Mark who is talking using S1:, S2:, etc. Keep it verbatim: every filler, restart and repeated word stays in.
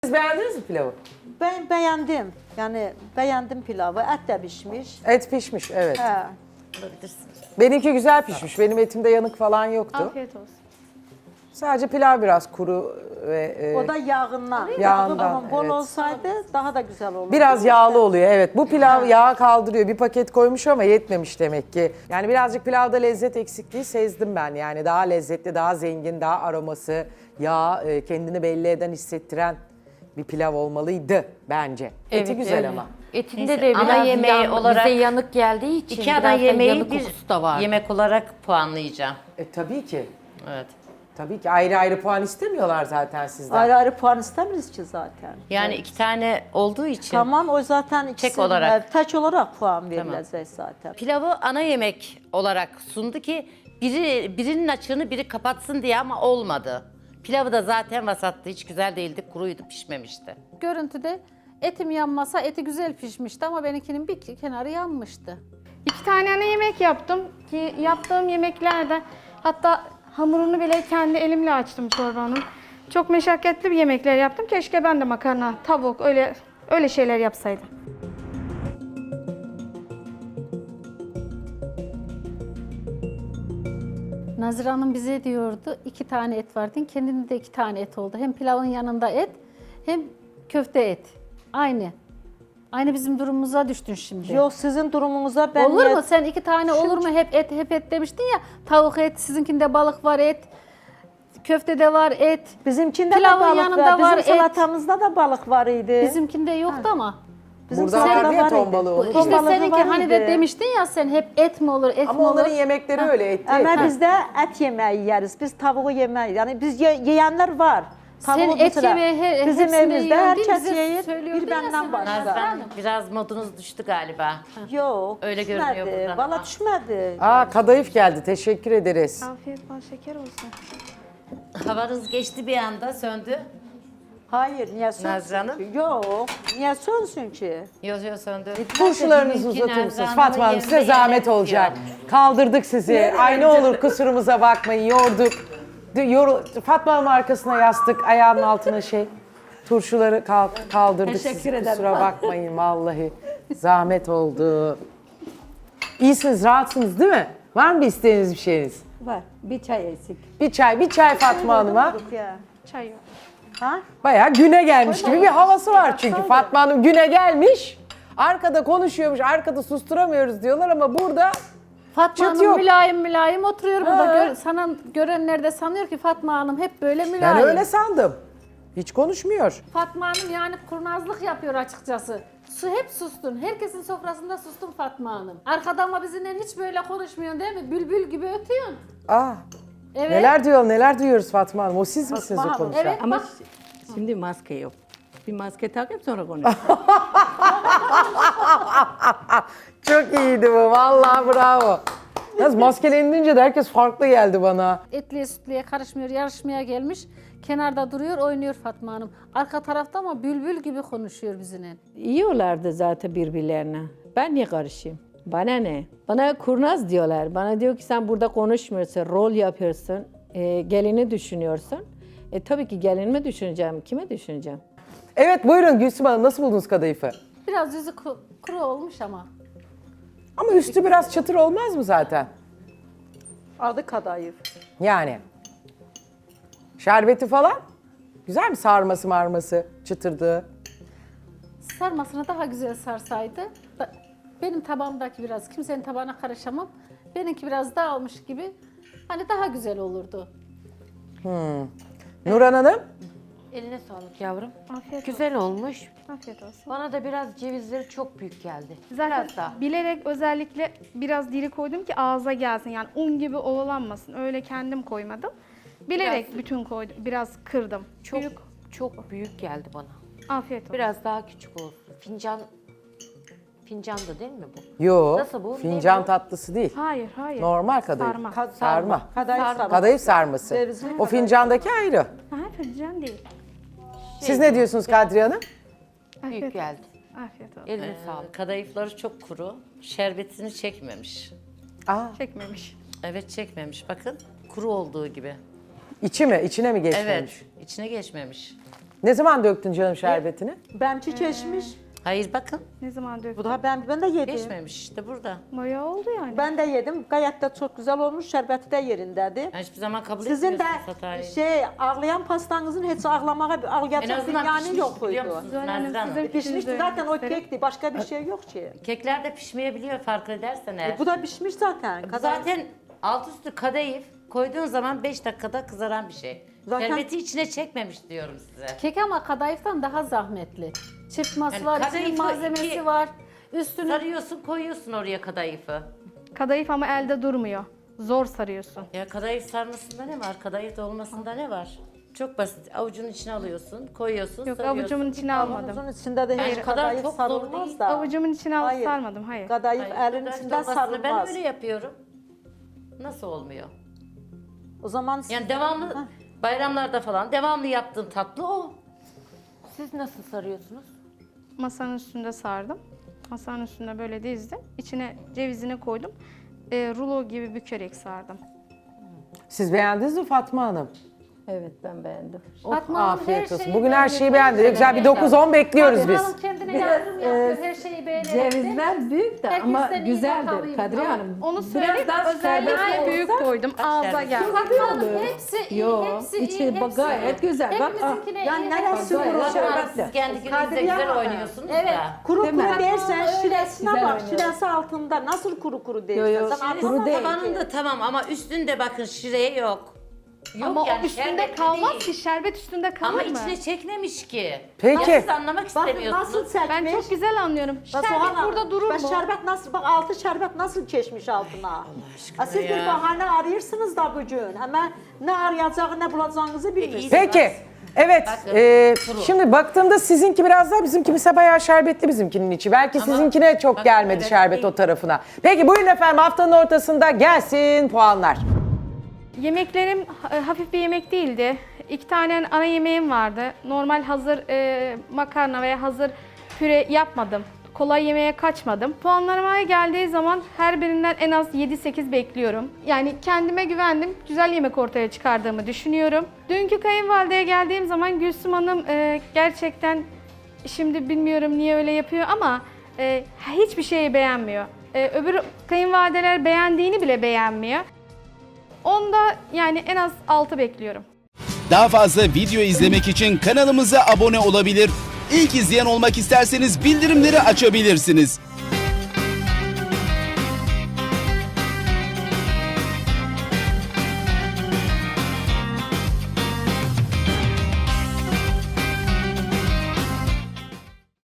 S1: Siz beğendiniz mi pilavı?
S2: Ben beğendim. Yani beğendim pilavı. Et de pişmiş.
S1: Et pişmiş, evet.
S2: He.
S1: Benimki güzel pişmiş. Benim etimde yanık falan yoktu.
S3: Afiyet olsun.
S1: Sadece pilav biraz kuru ve e,
S2: O da yağından.
S1: Yağından,
S2: Ama bol
S1: evet.
S2: olsaydı daha da güzel olurdu.
S1: biraz yağlı oluyor. Evet, bu pilav yağ kaldırıyor. Bir paket koymuş ama yetmemiş demek ki. Yani birazcık pilavda lezzet eksikliği sezdim ben. Yani daha lezzetli, daha zengin, daha aroması, yağ e, kendini belli eden, hissettiren bir pilav olmalıydı bence. Eti güzel
S4: evet.
S1: ama.
S4: Etinde de
S5: ana
S4: biraz
S5: yemeği
S4: yan-
S5: olarak
S4: bize yanık geldiği için
S5: İki ana
S4: biraz da
S5: yemeği
S4: yanık
S5: bir
S4: kokusu da var.
S5: yemek olarak puanlayacağım.
S1: E tabii ki.
S5: Evet.
S1: Tabii ki ayrı ayrı puan istemiyorlar zaten sizden.
S2: Ayrı ayrı puan istemiyoruz ki zaten.
S5: Yani iki tane olduğu için
S2: Tamam o zaten ikisi
S5: olarak.
S2: e, tek olarak puan verilecek zaten.
S5: pilavı ana yemek olarak sundu ki biri birinin açığını biri kapatsın diye ama olmadı. Pilavı da zaten vasattı. Hiç güzel değildi. Kuruydu, pişmemişti.
S3: Görüntüde etim yanmasa eti güzel pişmişti ama benimkinin bir kenarı yanmıştı.
S6: İki tane ana yemek yaptım ki yaptığım yemeklerde hatta hamurunu bile kendi elimle açtım çorbanın. Çok meşakkatli bir yemekler yaptım. Keşke ben de makarna, tavuk öyle öyle şeyler yapsaydım.
S3: Nazire Hanım bize diyordu iki tane et vardı. Kendinde de iki tane et oldu. Hem pilavın yanında et hem köfte et. Aynı. Aynı bizim durumumuza düştün şimdi.
S2: Yok sizin durumunuza ben
S3: olur
S2: niyet-
S3: mu? Sen iki tane olur mu? Hep et hep et demiştin ya. Tavuk et, sizinkinde balık var et. Köftede var et.
S2: Bizimkinde de
S3: Pilavın
S2: balık
S3: yanında
S2: var.
S3: var
S2: Bizim
S3: et.
S2: salatamızda da balık var idi.
S3: Bizimkinde yoktu ama.
S2: Bizim
S1: Burada
S2: salatada
S1: vardı ya
S2: var
S1: ton
S2: idi.
S1: balığı. onun
S3: İşte
S1: için.
S2: balığı
S3: seninki
S2: var
S3: hani
S2: idi.
S3: de demiştin ya sen hep et mi olur, et mi
S1: Ama
S3: olur?
S1: onların yemekleri öyle etli.
S2: Ama
S1: etli.
S2: bizde et yemeği yeriz. Biz tavuğu yemeyiz. Yani biz ye- yiyenler var.
S3: Sen
S2: Tavuğu
S3: et
S2: mesela
S3: yemeği he-
S2: bizim
S3: hepsinde
S2: evimizde
S3: yiyorsun değil,
S2: herkes
S3: bize
S2: yiyir.
S3: söylüyordun
S2: Bir
S3: ya
S2: benden
S3: sen.
S2: başka.
S5: Nazlı Hanım, biraz modunuz düştü galiba.
S2: Yok.
S5: Öyle
S2: düşmedi.
S5: görünüyor buradan
S2: Valla
S5: ama.
S2: düşmedi.
S1: Aa, kadayıf geldi. Teşekkür ederiz.
S6: Afiyet bal şeker olsun.
S5: Havanız geçti bir anda, söndü.
S2: Hayır niye sönsün
S5: Nazlı Hanım?
S2: ki? Yok. Niye sönsün ki?
S5: Yok yok söndü.
S1: Turşularınızı
S5: Dedim ki
S1: uzatır
S5: Nazlı
S1: mısınız?
S5: Hanım'ın
S1: Fatma Hanım size
S5: yerinde
S1: zahmet
S5: yemek
S1: olacak.
S5: yiyor.
S1: Kaldırdık sizi. Ay ne olur kusurumuza bakmayın. Yorduk. De- Yor Fatma Hanım arkasına yastık. Ayağının altına şey. Turşuları kal- kaldırdık
S2: Teşekkür
S1: sizi.
S2: ederim.
S1: Kusura bakmayın vallahi. Zahmet oldu. İyisiniz, rahatsınız değil mi? Var mı bir isteğiniz bir şeyiniz?
S2: Var. Bir çay eksik.
S1: Bir çay, bir çay Fatma Hanım'a.
S2: Ya.
S6: Çay yok.
S2: Ha?
S1: Bayağı güne gelmiş gibi bir havası var çünkü. Fatma Hanım güne gelmiş. Arkada konuşuyormuş, arkada susturamıyoruz diyorlar ama burada
S3: Fatma
S1: Çıt
S3: Hanım
S1: yok.
S3: mülayim mülayim oturuyor burada.
S1: Ha.
S3: Gör, sana görenler de sanıyor ki Fatma Hanım hep böyle mülayim.
S1: ben öyle sandım. Hiç konuşmuyor.
S3: Fatma Hanım yani kurnazlık yapıyor açıkçası. Su hep sustun. Herkesin sofrasında sustun Fatma Hanım. Arkada ama bizimle hiç böyle konuşmuyorsun değil mi? Bülbül gibi ötüyorsun.
S1: Aa,
S3: Evet.
S1: neler diyor, neler duyuyoruz Fatma Hanım. O siz misiniz o
S2: Hanım,
S1: konuşan?
S3: Evet
S4: Ama
S3: bak.
S4: şi- şimdi maske yok. Bir maske takayım sonra konuşalım.
S1: Çok iyiydi bu, vallahi bravo. Yalnız maskelenince de herkes farklı geldi bana.
S3: Etliye sütliye karışmıyor, yarışmaya gelmiş. Kenarda duruyor, oynuyor Fatma Hanım. Arka tarafta ama bülbül gibi konuşuyor bizimle.
S4: Yiyorlardı zaten birbirlerine. Ben niye karışayım? Bana ne? Bana kurnaz diyorlar. Bana diyor ki sen burada konuşmuyorsun, rol yapıyorsun, e, gelini düşünüyorsun. E tabii ki gelinimi düşüneceğim, kime düşüneceğim?
S1: Evet buyurun Gülsüm Hanım, nasıl buldunuz kadayıfı?
S3: Biraz yüzü ku- kuru olmuş ama.
S1: Ama üstü biraz çatır olmaz mı zaten?
S2: Adı kadayıf.
S1: Yani. Şerbeti falan? Güzel mi sarması marması, çıtırdığı?
S3: Sarmasını daha güzel sarsaydı. da- Benim tabağımdaki biraz, kimsenin tabağına karışamam. Benimki biraz dağılmış gibi. Hani daha güzel olurdu.
S1: Nurhan Hanım?
S7: Eline sağlık yavrum.
S6: Afiyet
S7: Güzel olmuş.
S6: olsun. Afiyet olsun.
S7: Bana da biraz cevizleri çok büyük geldi.
S6: Zaten
S7: Biraz daha.
S6: bilerek özellikle biraz diri koydum ki ağza gelsin. Yani un gibi ovalanmasın. Öyle kendim koymadım. Bilerek
S7: Biraz-
S6: bütün koydum. Biraz kırdım.
S7: Çok
S6: Büyük.
S7: çok büyük geldi bana.
S6: Afiyet olsun.
S7: Biraz daha küçük olsun. Fincan fincan da değil mi bu?
S1: Yo,
S7: Nasıl bu? Ne
S1: fincan
S7: bu?
S1: tatlısı değil.
S6: Hayır, hayır.
S1: Normal kadayıf.
S6: Sarma.
S2: Kad-
S1: Sarma.
S2: Kadayıf sarma.
S1: Kadayıf sarması.
S2: Cevizli
S1: O
S2: kadayıf.
S1: fincandaki ayrı.
S6: Ha, fincan değil.
S1: Siz ne diyorsunuz Kadriye Hanım?
S7: Büyük
S6: Afiyet,
S7: geldi.
S6: afiyet olsun.
S7: Eline sağlık.
S5: Kadayıfları çok kuru. Şerbetini çekmemiş.
S1: Aa,
S6: Çekmemiş.
S5: Evet çekmemiş bakın. Kuru olduğu gibi.
S1: içi mi? İçine mi geçmemiş?
S5: Evet. içine geçmemiş.
S1: Ne zaman döktün canım şerbetini?
S2: Benimki keçmiş.
S5: Hayır bakın.
S6: Ne zaman döktüm?
S2: Bu da ben ben de yedim.
S5: Geçmemiş işte burada.
S6: Bayağı oldu yani.
S2: Ben de yedim. Gayet de çok güzel olmuş. Şerbeti de yerindedir.
S5: Ben hiçbir zaman kabul
S2: Sizin de
S5: etmiyorsunuz hatayı.
S2: şey ağlayan pastanızın hiç ağlamaya
S5: En
S2: ağlayacak
S5: azından
S2: yani
S5: pişmiş
S2: yok
S5: biliyor
S2: koydu.
S5: musunuz
S6: Zuhal Hanım,
S5: Nazlı Hanım?
S6: sizin-
S2: Pişmişti
S6: Şimdi
S2: zaten o
S6: gösterin.
S2: kekti. Başka bir şey yok ki.
S5: Kekler de pişmeyebiliyor fark edersen eğer.
S2: E, bu da pişmiş zaten.
S5: Bu
S2: Kadar-
S5: zaten alt üstü kadayıf koyduğun zaman beş dakikada kızaran bir şey.
S2: Zaten-
S5: Şerbeti içine çekmemiş diyorum size.
S3: Kek ama kadayıftan daha zahmetli. Çıkması
S5: Yani
S3: var, içinin
S5: kadayıfı
S3: malzemesi
S5: iki-
S3: var. Üstüne
S5: Sarıyorsun koyuyorsun oraya kadayıfı.
S6: Kadayıf ama elde durmuyor. Zor sarıyorsun.
S5: Ya kadayıf sarmasında ne var? Kadayıf dolmasında ne var? Çok basit. Avucunun içine alıyorsun, koyuyorsun,
S6: Yok
S5: sarıyorsun.
S6: avucumun içine almadım.
S2: Kavanozun içinde de
S5: Hayır,
S2: hiç
S5: kadar
S2: kadayıf
S5: çok zor
S2: sarılmaz
S5: değil.
S2: da.
S6: Avucumun içine alıp
S2: Hayır.
S6: sarmadım. Hayır.
S2: Kadayıf
S5: Hayır,
S2: elin
S5: kadayıf
S2: içinde
S5: dolmasını ben
S2: sarılmaz.
S5: öyle yapıyorum. Nasıl olmuyor?
S2: O zaman
S5: Yani devamlı bayramlarda falan devamlı yaptığım tatlı o.
S7: Siz nasıl sarıyorsunuz?
S6: Masanın üstünde sardım. Masanın üstünde böyle dizdim. İçine cevizini koydum. E, rulo gibi bükerek sardım.
S1: Siz beğendiniz mi Fatma Hanım?
S4: Evet ben beğendim.
S1: Oh,
S3: Fatma Hanım
S1: afiyet
S3: her
S1: olsun.
S3: şeyi
S1: Bugün her
S3: beğenir.
S1: şeyi beğendi. Güzel bir dokuz on bekliyoruz
S3: Kadriye
S1: biz.
S3: Hanım kendine yardım yapıyor, her şeyi beğenerek.
S4: Cevizler büyük de ama
S3: Herkesten iyi
S4: güzeldir
S3: bakalıyım.
S4: Kadriye
S3: Ama
S4: Hanım.
S6: Onu
S4: Biraz
S6: söyleyeyim.
S4: daha
S6: Özellikle
S4: şerbetli
S6: büyük
S4: olsa-
S6: koydum. Ağza
S5: şerbetli.
S6: geldi.
S3: Fatma Hanım hepsi iyi,
S4: Yo,
S3: hepsi
S4: içi
S3: iyi, hepsi
S4: gayet
S3: iyi.
S4: güzel. Bak,
S3: Hepimizinkine
S2: yani
S3: iyi,
S2: neresi
S3: hepsi iyi.
S2: kuru?
S4: Şerbetli.
S5: Siz kendi gününüzde
S2: Kadriye
S5: güzel
S2: Hanım.
S5: oynuyorsunuz
S3: Evet.
S5: da.
S2: Kuru
S4: Değil mi?
S2: kuru dersen
S3: Öyle
S2: şiresine
S4: güzel
S2: bak.
S4: oynuyor.
S2: Şiresi altında. Nasıl kuru kuru dersen.
S4: Yo, yo,
S2: Sen
S4: kuru
S2: anlamadın
S4: değil.
S2: ki.
S5: Tabanında tamam ama üstünde bakın şireye yok. Yok
S6: Ama
S5: yani
S6: o üstünde
S5: şerbetli
S6: kalmaz
S5: değil.
S6: ki. Şerbet üstünde kalır
S5: Ama
S6: mı?
S5: içine çekmemiş ki.
S1: Peki.
S5: Ya siz anlamak
S2: Bakın
S5: istemiyorsunuz.
S2: nasıl çekmiş.
S6: Ben çok güzel anlıyorum.
S2: Bak
S6: Şerbet
S2: Soğan
S6: burada
S2: Hanım,
S6: durur
S2: bak
S6: mu?
S2: şerbet nasıl, bak altı şerbet nasıl geçmiş altına. Allah
S5: aşkına
S2: Siz bir
S5: ya.
S2: bahane arıyorsunuz da bugün. Hemen ne arayacağını ne bulacağınızı bilmiyorsunuz.
S1: Peki. Evet.
S5: Bakın,
S1: e,
S5: kuru.
S1: şimdi baktığımda sizinki biraz daha bizimki ise bayağı şerbetli bizimkinin içi. Belki
S5: Ama
S1: sizinkine çok
S5: bak,
S1: gelmedi
S5: evet,
S1: şerbet
S5: değil.
S1: o tarafına. Peki buyurun efendim haftanın ortasında gelsin puanlar.
S6: Yemeklerim e, hafif bir yemek değildi. İki tane ana yemeğim vardı. Normal hazır e, makarna veya hazır püre yapmadım. Kolay yemeğe kaçmadım. Puanlarıma geldiği zaman her birinden en az yedi sekiz bekliyorum. Yani kendime güvendim. Güzel yemek ortaya çıkardığımı düşünüyorum. Dünkü kayınvalideye geldiğim zaman Gülsüm Hanım e, gerçekten şimdi bilmiyorum niye öyle yapıyor ama e, hiçbir şeyi beğenmiyor. E, öbür kayınvalideler beğendiğini bile beğenmiyor. Onda yani en az altı bekliyorum.
S8: Daha fazla video izlemek için kanalımıza abone olabilir. İlk izleyen olmak isterseniz bildirimleri açabilirsiniz.